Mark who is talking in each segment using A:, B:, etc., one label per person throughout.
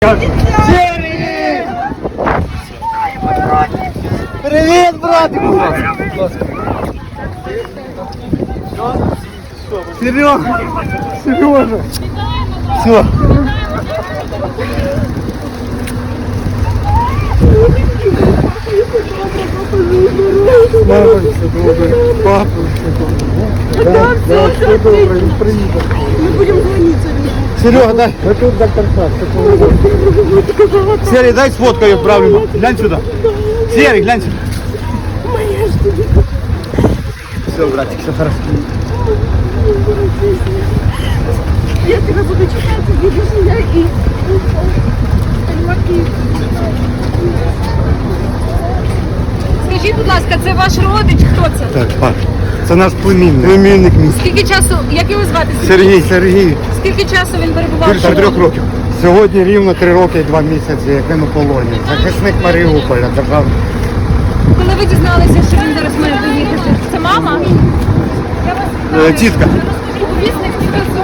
A: Серий! Привіт, братику! Сережа! Сережа! Все! Мама, все добре. Папа, все добре. Да, все добре, він приїде.
B: Мы будем звонить.
A: Серега, дай. А тут доктор Саш. Серый, дай сфоткаю правильно. Глянь сюда. Серый, глянь сюда. Все, братик, все хорошо.
B: Я тебя буду читать, будешь меня и...
C: Скажіть, будь ласка, це ваш родич? Хто це?
A: Так, пап. Це наш племінник. Племінник мій.
C: Скільки часу, як його звати?
A: Сергій, Сергій.
C: Скільки часу він перебував? в
A: Більше 3
C: полоні?
A: років. Сьогодні рівно 3 роки і 2 місяці, як він у полоні. Захисник Маріуполя, державний.
C: Коли ви дізналися, що він зараз має поїхати? Це мама? Я вас
A: Тітка.
C: Повісник зв'язок.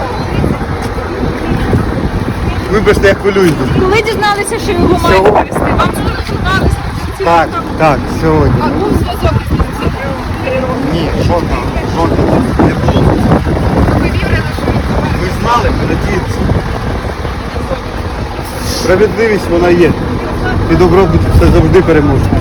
A: Вибачте, я хвилююсь.
C: Коли дізналися, що його мають повісти? Вам зателефонували?
A: Так, так, сьогодні.
C: А був зв'язок із ним за 3 роки?
A: Ні, жодного не було.
C: Ви вірили, що він?
A: Ми знали, надіємося. Справедливість вона є. І добробут все завжди переможе.